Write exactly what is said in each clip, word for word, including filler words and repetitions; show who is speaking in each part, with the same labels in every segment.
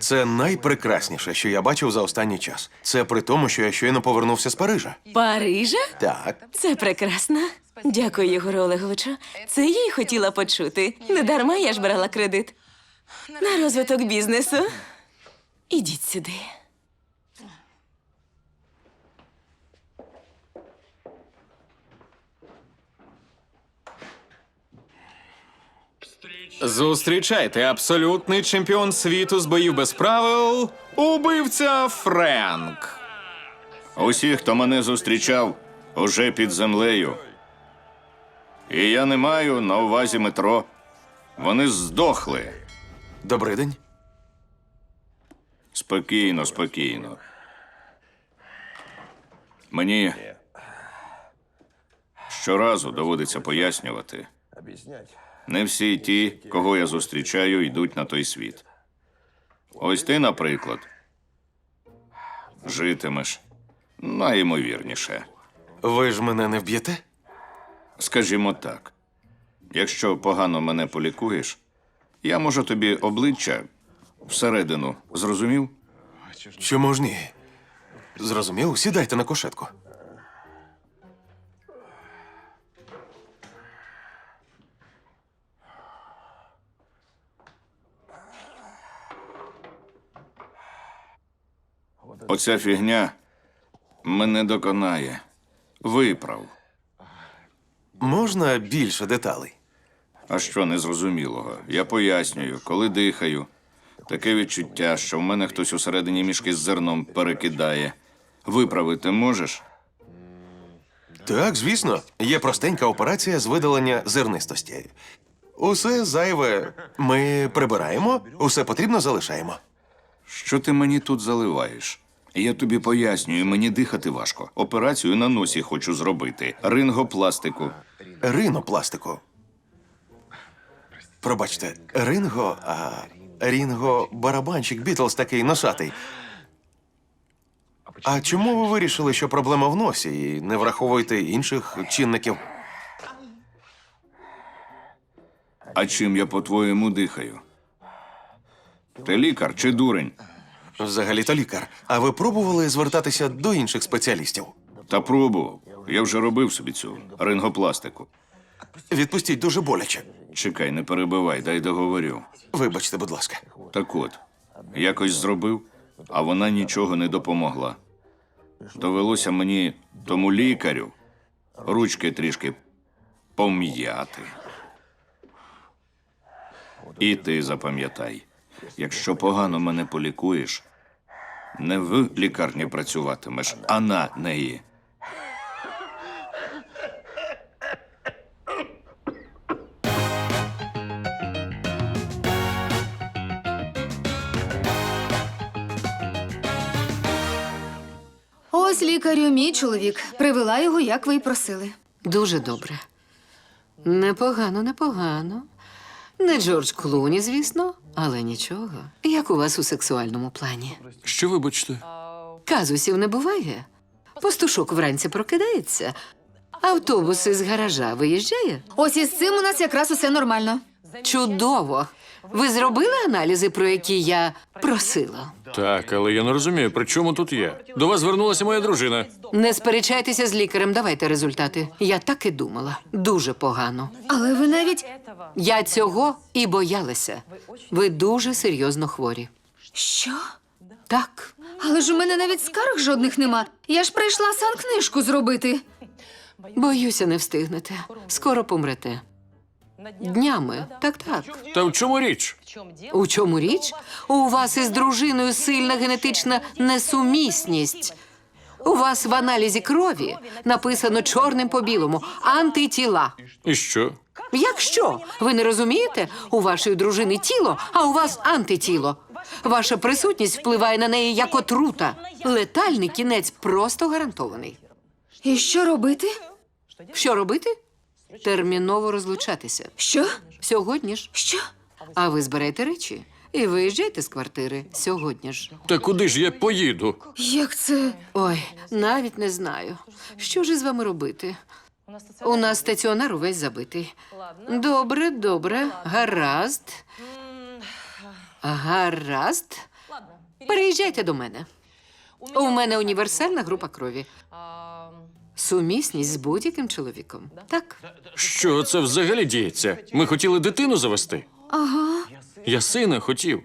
Speaker 1: Це найпрекрасніше, що я бачив за останній час. Це при тому, що я щойно повернувся з Парижа.
Speaker 2: Парижа?
Speaker 1: Так.
Speaker 2: Це прекрасно. Дякую, Єгоре Олеговичу. Це я й хотіла почути. Не дарма я ж брала кредит. На розвиток бізнесу. Ідіть сюди.
Speaker 3: Зустрічайте, абсолютний чемпіон світу з боїв без правил, убивця Френк.
Speaker 4: Усі, хто мене зустрічав, уже під землею. І я не маю на увазі метро. Вони здохли.
Speaker 1: Добрий день.
Speaker 4: Спокійно, спокійно. Мені щоразу доводиться пояснювати. Не всі ті, кого я зустрічаю, йдуть на той світ. Ось ти, наприклад, житимеш найімовірніше.
Speaker 1: Ви ж мене не вб'єте?
Speaker 4: Скажімо так, якщо погано мене полікуєш, я можу тобі обличчя всередину, зрозумів?
Speaker 1: Чому ж ні? Зрозумів? Сідайте на кушетку.
Speaker 4: Оця фігня мене доконає. Виправ.
Speaker 1: Можна більше деталей?
Speaker 4: А що незрозумілого? Я пояснюю, коли дихаю. Таке відчуття, що в мене хтось усередині мішки з зерном перекидає. Виправити можеш?
Speaker 1: Так, звісно. Є простенька операція з видалення зернистості. Усе зайве ми прибираємо, усе потрібно залишаємо.
Speaker 4: Що ти мені тут заливаєш? Я тобі пояснюю, мені дихати важко. Операцію на носі хочу зробити. Рингопластику.
Speaker 1: Ринопластику. Пробачте, Ринго, а Рінго барабанщик Бітлз такий носатий. А чому ви вирішили, що проблема в носі і не враховуєте інших чинників?
Speaker 4: А чим я, по-твоєму, дихаю? Ти лікар чи дурень?
Speaker 1: Взагалі-то лікар. А ви пробували звертатися до інших спеціалістів?
Speaker 4: Та пробував. Я вже робив собі цю рингопластику.
Speaker 1: Відпустіть, дуже боляче.
Speaker 4: Чекай, не перебивай, дай договорю.
Speaker 1: Вибачте, будь ласка.
Speaker 4: Так от, якось зробив, а вона нічого не допомогла. Довелося мені тому лікарю ручки трішки пом'яти. І ти запам'ятай, якщо погано мене полікуєш, не в лікарні працюватимеш, а на неї.
Speaker 5: Ось лікарю мій чоловік. Привела його, як ви й просили.
Speaker 6: Дуже добре. Непогано, непогано. Не Джордж Клуні, звісно, але нічого. Як у вас у сексуальному плані?
Speaker 3: Що вибачте?
Speaker 6: Казусів не буває. Пастушок вранці прокидається, автобус із гаража виїжджає.
Speaker 5: Ось із цим у нас якраз усе нормально.
Speaker 6: Чудово! Ви зробили аналізи, про які я просила?
Speaker 7: Так, але я не розумію, при чому тут я? До вас звернулася моя дружина.
Speaker 6: Не сперечайтеся з лікарем, давайте результати. Я так і думала. Дуже погано.
Speaker 5: Але ви навіть.
Speaker 6: Я цього і боялася. Ви дуже серйозно хворі.
Speaker 5: Що?
Speaker 6: Так.
Speaker 5: Але ж у мене навіть скарг жодних нема. Я ж прийшла санкнижку зробити.
Speaker 6: Боюся, не встигнете. Скоро помрете. Днями. Так, так.
Speaker 7: Та в чому річ?
Speaker 6: У чому річ? У вас із дружиною сильна генетична несумісність. У вас в аналізі крові написано чорним по білому антитіла.
Speaker 7: І що?
Speaker 6: Як що? Ви не розумієте? У вашої дружини тіло, а у вас антитіло. Ваша присутність впливає на неї як отрута. Летальний кінець просто гарантований.
Speaker 5: І що робити?
Speaker 6: Що робити? Терміново розлучатися.
Speaker 5: Що?
Speaker 6: Сьогодні ж.
Speaker 5: Що?
Speaker 6: А ви зберете речі і виїжджайте з квартири сьогодні ж.
Speaker 7: Та куди ж я поїду?
Speaker 5: Як це?
Speaker 6: Ой, навіть не знаю. Що ж із вами робити? У нас стаціонар увесь забитий. Добре, добре, гаразд. Гаразд. Переїжджайте до мене. У мене універсальна група крові. Сумісність з будь-яким чоловіком. Так.
Speaker 7: Що це взагалі діється? Ми хотіли дитину завести.
Speaker 5: Ага.
Speaker 7: Я сина хотів.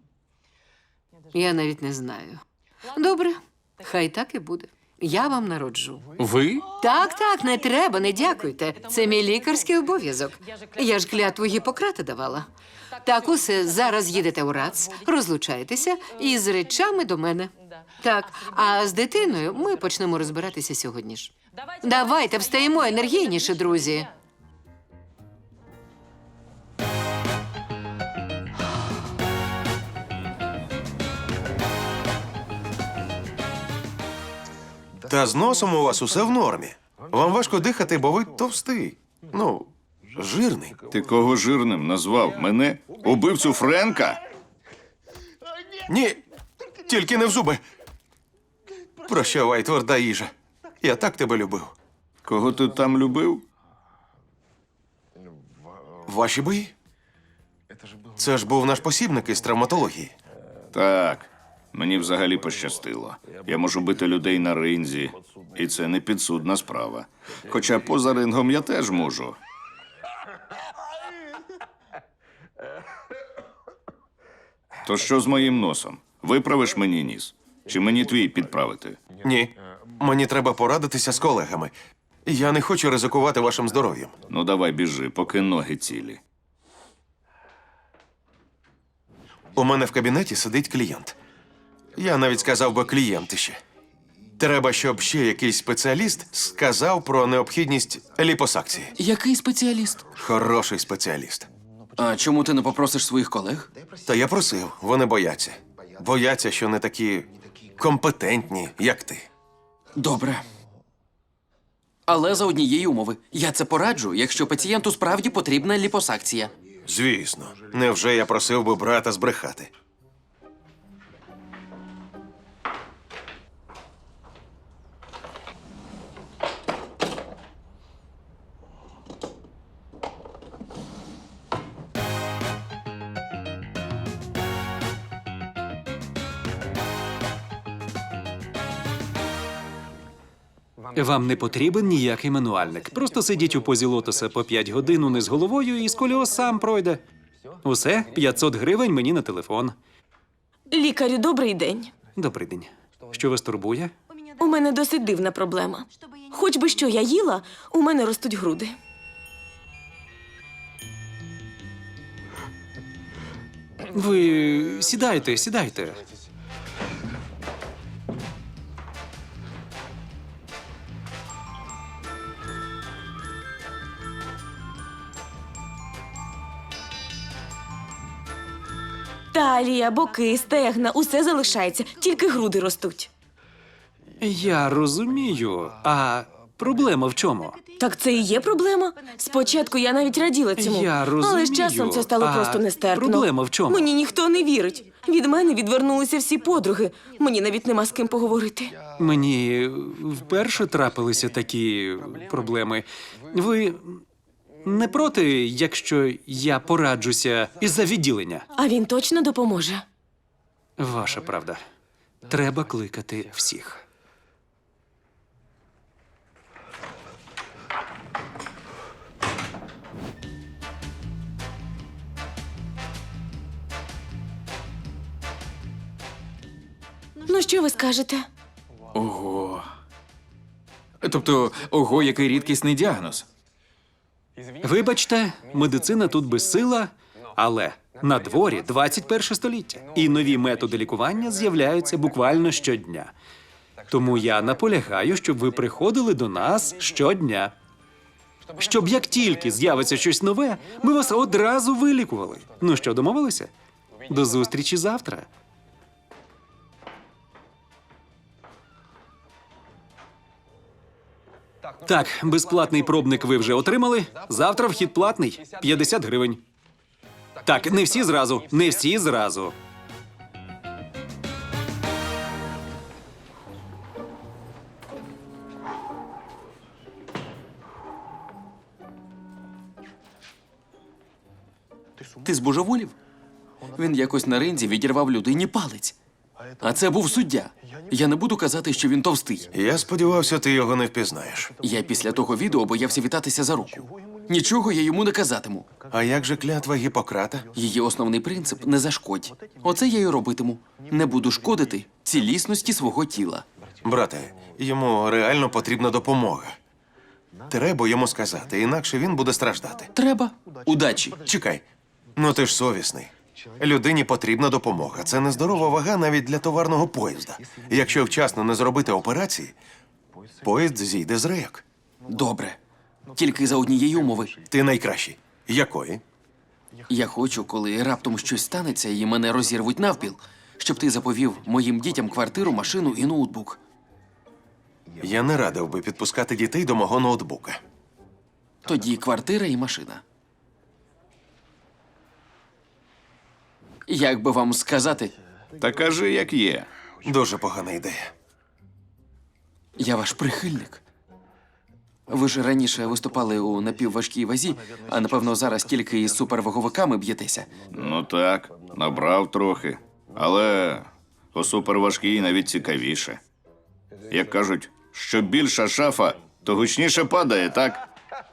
Speaker 6: Я навіть не знаю. Добре, хай так і буде. Я вам народжу.
Speaker 7: Ви?
Speaker 6: Так, так, не треба, не дякуйте. Це мій лікарський обов'язок. Я ж клятву Гіппократа давала. Так, усе, зараз їдете у РАЦ, розлучаєтеся і з речами до мене. Так, а з дитиною ми почнемо розбиратися сьогодні ж. Давайте встаємо енергійніше, друзі.
Speaker 1: Та з носом у вас усе в нормі. Вам важко дихати, бо ви товстий. Ну, жирний.
Speaker 4: Ти кого жирним назвав? Мене? Убивцю Френка?
Speaker 1: Ні, тільки не в зуби. Прощавай, тверда їжа. Я так тебе любив.
Speaker 4: Кого ти там любив?
Speaker 1: Ваші бої? Це ж був наш посібник із травматології.
Speaker 4: Так, мені взагалі пощастило. Я можу бити людей на ринзі, і це не підсудна справа. Хоча поза рингом я теж можу. То що з моїм носом? Виправиш мені ніс? Чи мені твій підправити?
Speaker 1: Ні, мені треба порадитися з колегами. Я не хочу ризикувати вашим здоров'ям.
Speaker 4: Ну давай біжи, поки ноги цілі.
Speaker 1: У мене в кабінеті сидить клієнт. Я навіть сказав би клієнтище. Треба, щоб ще якийсь спеціаліст сказав про необхідність ліпосакції.
Speaker 8: Який спеціаліст?
Speaker 1: Хороший спеціаліст.
Speaker 8: А чому ти не попросиш своїх колег?
Speaker 1: Та я просив, вони бояться. Бояться, що не такі компетентні, як ти.
Speaker 8: Добре. Але за однієї умови. Я це пораджу, якщо пацієнту справді потрібна ліпосакція.
Speaker 1: Звісно, невже я просив би брата збрехати?
Speaker 9: Вам не потрібен ніякий мануальник. Просто сидіть у позі лотоса по п'ять годин униз головою і сколіоз сам пройде. Усе, п'ятсот гривень мені на телефон.
Speaker 2: Лікарю, добрий день.
Speaker 9: Добрий день. Що вас турбує?
Speaker 2: У мене досить дивна проблема. Хоч би що я їла, у мене ростуть груди.
Speaker 9: Ви сідайте, сідайте.
Speaker 2: Талія, боки, стегна, усе залишається, тільки груди ростуть.
Speaker 9: Я розумію. А проблема в чому?
Speaker 2: Так це і є проблема. Спочатку я навіть раділа цьому,
Speaker 9: Я розумію.
Speaker 2: але з часом це стало
Speaker 9: А
Speaker 2: просто нестерпно.
Speaker 9: проблема в чому?
Speaker 2: Мені ніхто не вірить. Від мене відвернулися всі подруги. Мені навіть нема з ким поговорити.
Speaker 9: Мені вперше трапилися такі проблеми. Ви не проти, якщо я пораджуся із-за відділення?
Speaker 2: А він точно допоможе.
Speaker 9: Ваша правда. Треба кликати всіх.
Speaker 2: Ну, що ви скажете?
Speaker 3: Ого. Тобто, ого, який рідкісний діагноз.
Speaker 9: Вибачте, медицина тут безсила, але на дворі двадцять перше століття, і нові методи лікування з'являються буквально щодня. Тому я наполягаю, щоб ви приходили до нас щодня. Щоб як тільки з'явиться щось нове, ми вас одразу вилікували. Ну що, домовилися? До зустрічі завтра. Так, безплатний пробник ви вже отримали. Завтра вхід платний – п'ятдесят гривень. Так, не всі зразу, не всі зразу.
Speaker 8: Ти збожеволів? Він якось на ринзі відірвав людині палець. А це був суддя. Я не буду казати, що він товстий.
Speaker 1: Я сподівався, ти його не впізнаєш.
Speaker 8: Я після того відео боявся вітатися за руку. Нічого я йому не казатиму.
Speaker 1: А як же клятва Гіппократа?
Speaker 8: Її основний принцип не зашкодь. Оце я й робитиму. Не буду шкодити цілісності свого тіла.
Speaker 1: Брате, йому реально потрібна допомога. Треба йому сказати, інакше він буде страждати.
Speaker 8: Треба. Удачі.
Speaker 1: Чекай, ну ти ж совісний. Людині потрібна допомога. Це нездорова вага навіть для товарного поїзда. Якщо вчасно не зробити операції, поїзд зійде з рейок.
Speaker 8: Добре. Тільки за однієї умови.
Speaker 1: Ти найкращий. Якої?
Speaker 8: Я хочу, коли раптом щось станеться і мене розірвуть навпіл, щоб ти заповів моїм дітям квартиру, машину і ноутбук.
Speaker 1: Я не радив би підпускати дітей до мого ноутбука.
Speaker 8: Тоді квартира і машина. Як би вам сказати,
Speaker 4: Та кажи, як є.
Speaker 1: Дуже погана ідея.
Speaker 8: я ваш прихильник. Ви ж раніше виступали у напівважкій вазі, а напевно зараз тільки із суперваговиками б'єтеся.
Speaker 4: Ну так, набрав трохи. Але по суперважкій навіть цікавіше. Як кажуть, що більша шафа, то гучніше падає, так?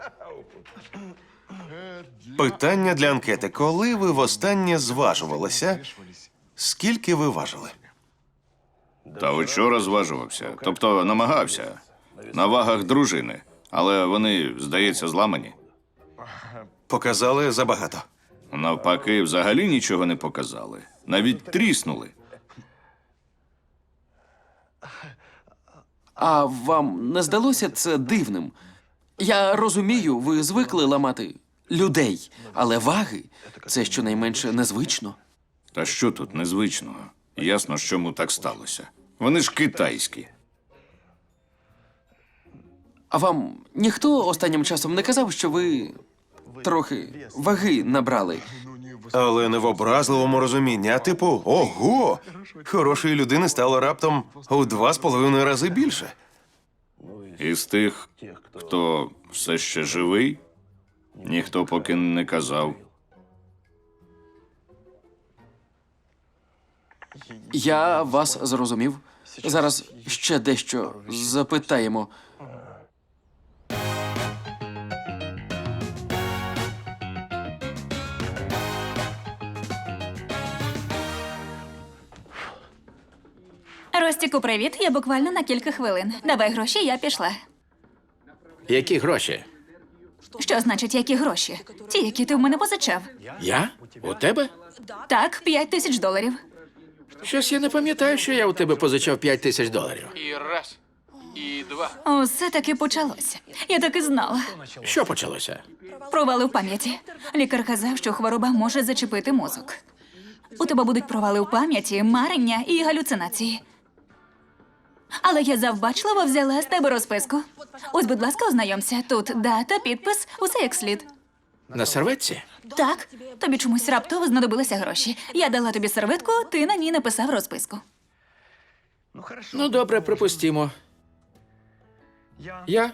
Speaker 1: Питання для анкети. Коли ви востаннє зважувалися? Скільки ви важили?
Speaker 4: Та вчора зважувався. Тобто намагався. На вагах дружини. Але вони, здається, зламані.
Speaker 1: Показали забагато.
Speaker 4: Навпаки, взагалі нічого не показали. Навіть тріснули.
Speaker 8: А вам не здалося це дивним? Я розумію, ви звикли ламати людей, але ваги це щонайменше незвично.
Speaker 4: Та що тут незвичного? Ясно, ж, чому так сталося. Вони ж китайські.
Speaker 8: А вам ніхто останнім часом не казав, що ви трохи ваги набрали?
Speaker 1: Але не в образливому розумінні, а типу, ого! Хорошої людини стало раптом у два з половиною рази більше.
Speaker 4: Із тих, хто все ще живий, ніхто поки не казав.
Speaker 8: Я вас зрозумів. Зараз ще дещо запитаємо.
Speaker 10: Ростіку, привіт. Я буквально на кілька хвилин. Давай гроші, я пішла.
Speaker 11: Які гроші?
Speaker 10: Що значить, які гроші? Ті, які ти в мене позичав.
Speaker 11: Я? У тебе?
Speaker 10: Так, п'ять тисяч доларів.
Speaker 11: Щось я не пам'ятаю, що я у тебе позичав п'ять тисяч доларів.
Speaker 7: І раз, і два.
Speaker 10: Усе таки почалося. Я так і знала.
Speaker 11: Що почалося?
Speaker 10: Провали в пам'яті. Лікар казав, що хвороба може зачепити мозок. У тебе будуть провали в пам'яті, марення і галюцинації. Але я завбачливо взяла з тебе розписку. Ось, будь ласка, ознайомся. Тут дата, підпис, усе як слід.
Speaker 11: На серветці?
Speaker 10: Так, тобі чомусь раптово знадобилися гроші. Я дала тобі серветку, ти на ній написав розписку.
Speaker 11: Ну, добре, припустімо. Я,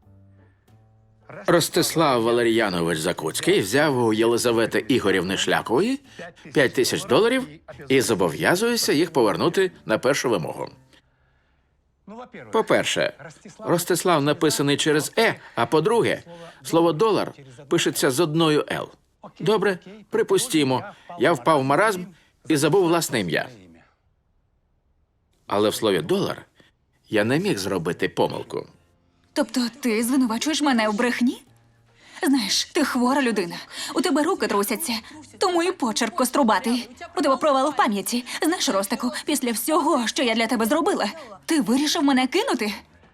Speaker 11: Ростислав Валер'янович Закуцький, взяв у Єлизавети Ігорівни Шлякової п'ять тисяч доларів і зобов'язуюся їх повернути на першу вимогу. По-перше, Ростислав написаний через «е», а по-друге, слово «долар» пишеться з одною «л». Добре, припустімо, я впав в маразм і забув власне ім'я. Але в слові «долар» я не міг зробити помилку.
Speaker 10: Тобто ти звинувачуєш мене в брехні? Знаєш, ти хвора людина. У тебе руки трусяться, тому і почерк кострубатий. У тебе провал в пам'яті. Знаєш, Ростику, після всього, що я для тебе зробила, ти вирішив мене кинути?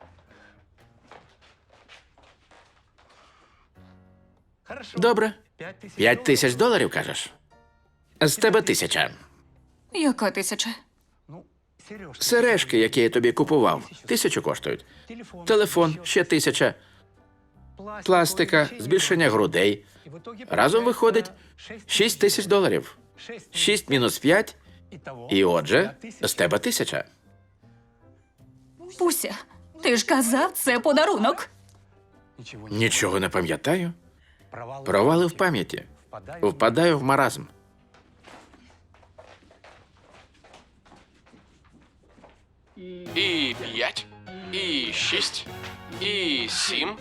Speaker 11: Добре. П'ять тисяч доларів, кажеш? З тебе тисяча.
Speaker 10: Яка тисяча?
Speaker 11: Сережки, які я тобі купував, тисячу коштують. Телефон ще тисяча. Пластика, збільшення грудей. Разом виходить шість тисяч доларів. Шість мінус п'ять. І отже, з тебе тисяча.
Speaker 10: Пуся, ти ж казав, це подарунок.
Speaker 11: Нічого не пам'ятаю. Провали в пам'яті. Впадаю в маразм.
Speaker 12: І п'ять, і шість, і сім.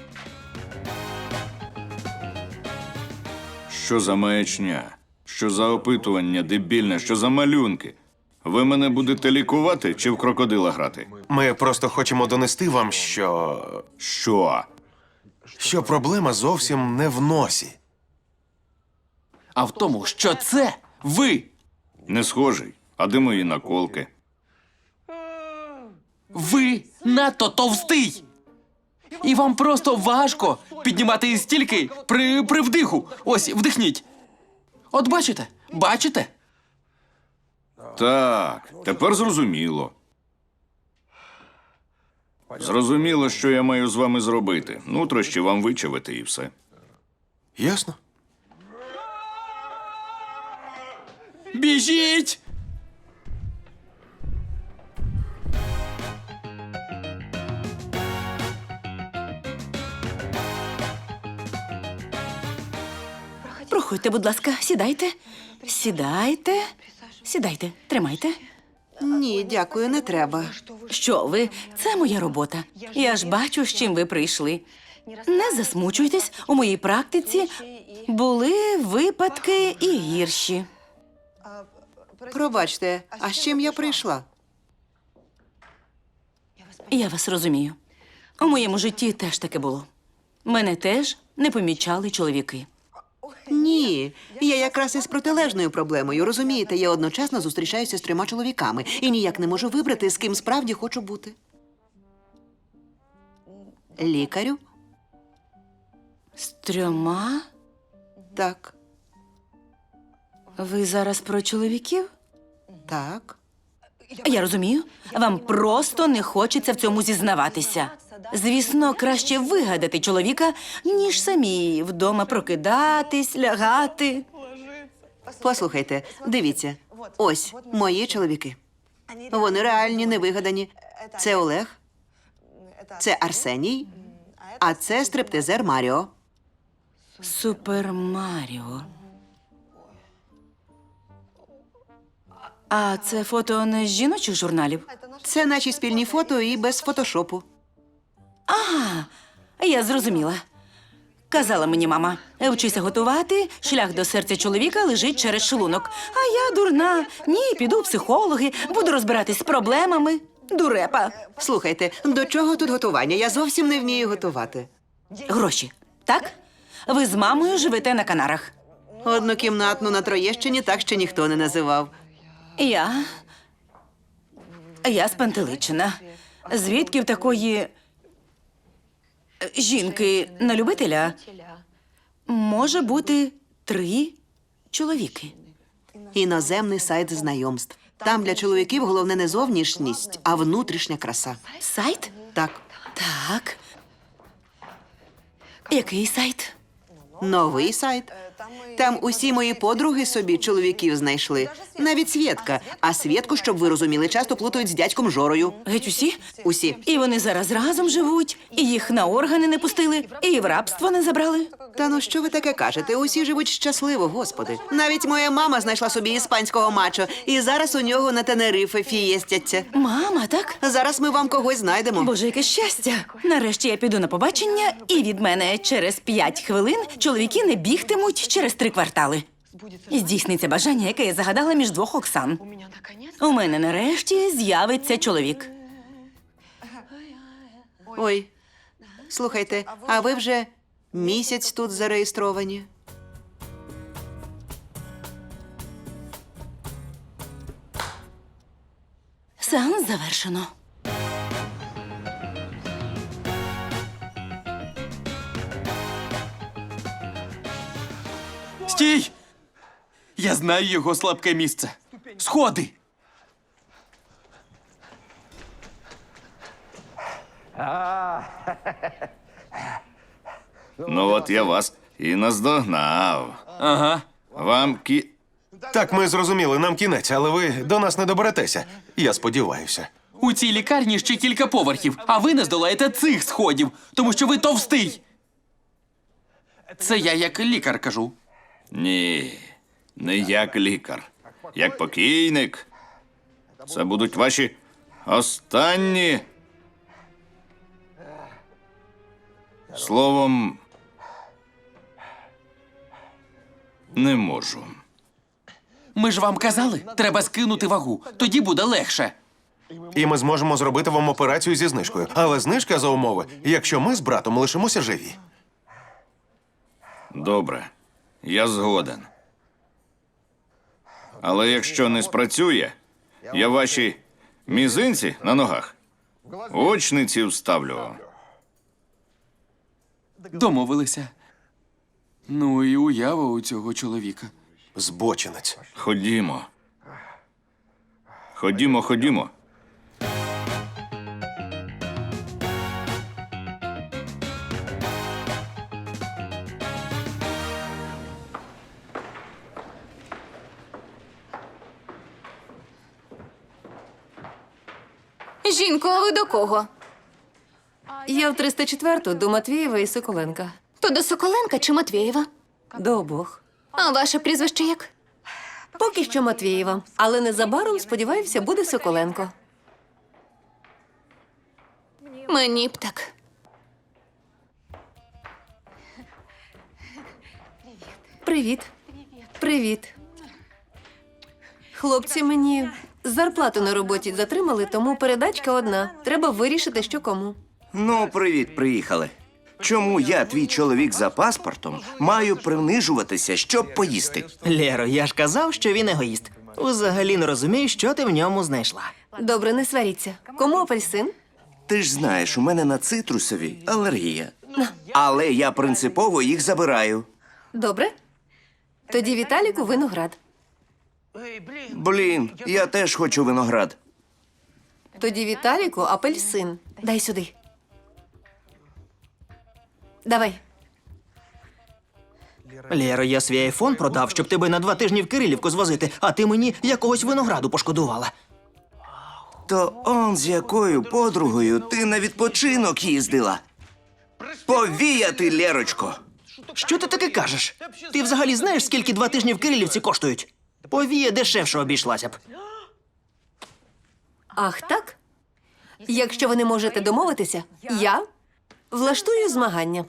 Speaker 4: Що за маячня? Що за опитування дебільне? Що за малюнки? Ви мене будете лікувати чи в крокодила грати?
Speaker 1: Ми просто хочемо донести вам, що.
Speaker 4: Що?
Speaker 1: що проблема зовсім не в носі.
Speaker 8: А в тому, що це ви.
Speaker 4: Не схожий. А де мої наколки?
Speaker 8: Ви надто товстий. І вам просто важко піднімати стільки при, при вдиху. Ось, вдихніть. От бачите? Бачите?
Speaker 4: Так, тепер зрозуміло. Зрозуміло, що я маю з вами зробити. Нутрощі вам вичавити і все.
Speaker 1: Ясно?
Speaker 8: Біжіть!
Speaker 2: Проходьте, будь ласка, сідайте. Сідайте. Сідайте, тримайте.
Speaker 13: Ні, дякую, не треба.
Speaker 2: Що ви? Це моя робота. Я ж бачу, з чим ви прийшли. Не засмучуйтесь, у моїй практиці були випадки і гірші.
Speaker 13: Пробачте, а з чим я прийшла?
Speaker 2: Я вас розумію. У моєму житті теж таке було. Мене теж не помічали чоловіки.
Speaker 13: Ні, я якраз із протилежною проблемою. Розумієте, я одночасно зустрічаюся з трьома чоловіками і ніяк не можу вибрати, з ким справді хочу бути. Лікарю?
Speaker 2: З трьома?
Speaker 13: Так.
Speaker 2: Ви зараз про чоловіків?
Speaker 13: Так.
Speaker 2: Я розумію. Вам просто не хочеться в цьому зізнаватися. Звісно, краще вигадати чоловіка, ніж самі вдома прокидатись, лягати.
Speaker 13: Послухайте, дивіться. Ось мої чоловіки. Вони реальні, не вигадані. Це Олег, це Арсеній, а це стриптизер Маріо.
Speaker 2: Супер Маріо. А це фото не з жіночих журналів?
Speaker 13: Це наші спільні фото і без фотошопу.
Speaker 2: Ага, я зрозуміла. Казала мені мама, вчися готувати, шлях до серця чоловіка лежить через шлунок. А я дурна. Ні, піду в психологи, буду розбиратись з проблемами. Дурепа.
Speaker 13: Слухайте, до чого тут готування? Я зовсім не вмію готувати.
Speaker 2: Гроші, так? Ви з мамою живете на Канарах.
Speaker 13: Однокімнатну на Троєщині так ще ніхто не називав.
Speaker 2: Я... Я спантеличена. Звідки в такої... е, жінки на любителя може бути три чоловіки?
Speaker 13: Іноземний сайт знайомств. Там для чоловіків головне не зовнішність, а внутрішня краса.
Speaker 2: Сайт?
Speaker 13: Так.
Speaker 2: Так. Який сайт?
Speaker 13: Новий сайт. Там усі мої подруги собі чоловіків знайшли. Навіть Свєтка. А Свєтку, щоб ви розуміли, часто плутають з дядьком Жорою.
Speaker 2: Геть усі?
Speaker 13: Усі.
Speaker 2: І вони зараз разом живуть, і їх на органи не пустили, і в рабство не забрали.
Speaker 13: Та ну що ви таке кажете? Усі живуть щасливо, господи. Навіть моя мама знайшла собі іспанського мачо, і зараз у нього на Тенерифе фієстяться.
Speaker 2: Мама, так?
Speaker 13: Зараз ми вам когось знайдемо.
Speaker 2: Боже, яке щастя! Нарешті я піду на побачення, і від мене через п'ять хвилин чоловіки не бігтимуть через три квартали. Здійсниться бажання, яке я загадала між двох Оксан. У мене нарешті з'явиться чоловік.
Speaker 13: Ой, слухайте, а ви вже місяць тут зареєстровані?
Speaker 2: Сеанс завершено.
Speaker 8: Стій! Я знаю його слабке місце. Сходи!
Speaker 4: Ну от я вас і наздогнав.
Speaker 8: Ага.
Speaker 4: Вам кі...
Speaker 1: Так, ми зрозуміли, нам кінець, але ви до нас не доберетеся. Я сподіваюся.
Speaker 8: У цій лікарні ще кілька поверхів, а ви не здолаєте цих сходів, тому що ви товстий. Це я як лікар кажу.
Speaker 4: Ні, не як лікар. Як покійник. Це будуть ваші Останні. Словом, не можу.
Speaker 8: Ми ж вам казали, треба скинути вагу. Тоді буде легше.
Speaker 1: І ми зможемо зробити вам операцію зі знижкою. Але знижка за умови, якщо ми з братом лишимося живі.
Speaker 4: Добре, я згоден. Але якщо не спрацює, я ваші мізинці на ногах очниці вставлю.
Speaker 8: Домовилися. Ну і уява у цього чоловіка.
Speaker 1: Збочинець.
Speaker 4: Ходімо. Ходімо, ходімо.
Speaker 5: Жінко, а ви до кого?
Speaker 6: Я в триста четверту до Матвієва і Соколенка.
Speaker 5: То до Соколенка чи Матвєєва?
Speaker 6: До обох.
Speaker 5: А ваше прізвище як?
Speaker 6: Поки що Матвієва, але незабаром, сподіваюся, буде Соколенко.
Speaker 5: Мені б так.
Speaker 6: Привіт. Привіт. Хлопці мені зарплату на роботі затримали, тому передачка одна. Треба вирішити, що кому.
Speaker 14: Ну, привіт, приїхали. Чому я, твій чоловік за паспортом, маю принижуватися, щоб поїсти?
Speaker 15: Лєро, я ж казав, що він егоїст. Взагалі не розумію, що ти в ньому знайшла.
Speaker 6: Добре, не сваріться. Кому апельсин?
Speaker 14: Ти ж знаєш, у мене на цитрусові алергія. Але я принципово їх забираю.
Speaker 6: Добре. Тоді Віталіку виноград.
Speaker 14: Блін, я теж хочу виноград.
Speaker 6: Тоді Віталіку апельсин. Дай сюди. Давай.
Speaker 15: Лєро, я свій айфон продав, щоб тебе на два тижні в Кирилівку звозити, а ти мені якогось винограду пошкодувала.
Speaker 14: То он з якою подругою ти на відпочинок їздила? Повіяти, Лєрочко!
Speaker 15: Що ти таке кажеш? Ти взагалі знаєш, скільки два тижні в Кирилівці коштують? Повія дешевше обійшлася б.
Speaker 6: Ах, так? Якщо ви не можете домовитися, я влаштую змагання.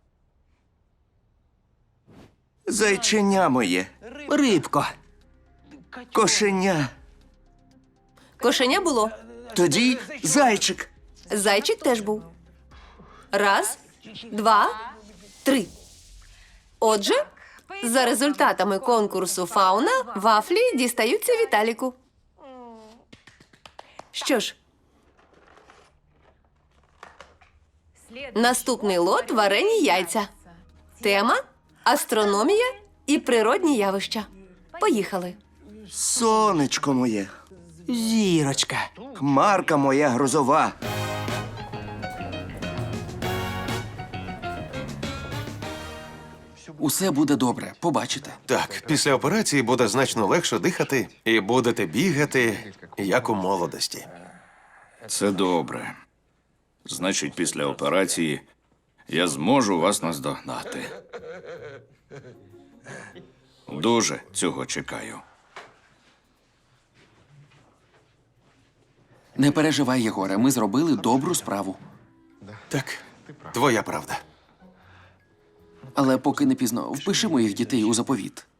Speaker 14: Зайченя моє.
Speaker 15: Рибко.
Speaker 14: Кошеня.
Speaker 6: Кошеня було.
Speaker 14: Тоді зайчик.
Speaker 6: Зайчик теж був. Раз, два, три. Отже, за результатами конкурсу «Фауна» вафлі дістаються Віталіку. Що ж, наступний лот – варені яйця. Тема – астрономія і природні явища. Поїхали.
Speaker 14: Сонечко моє.
Speaker 15: Зірочка.
Speaker 14: Хмарка моя грозова.
Speaker 8: Усе буде добре, побачите.
Speaker 1: Так, після операції буде значно легше дихати і будете бігати, як у молодості.
Speaker 4: Це добре. Значить, після операції я зможу вас наздогнати. Дуже цього чекаю.
Speaker 8: Не переживай, Єгоре, ми зробили добру справу.
Speaker 1: Так, твоя правда.
Speaker 8: Але поки не пізно, впиши моїх дітей у заповіт.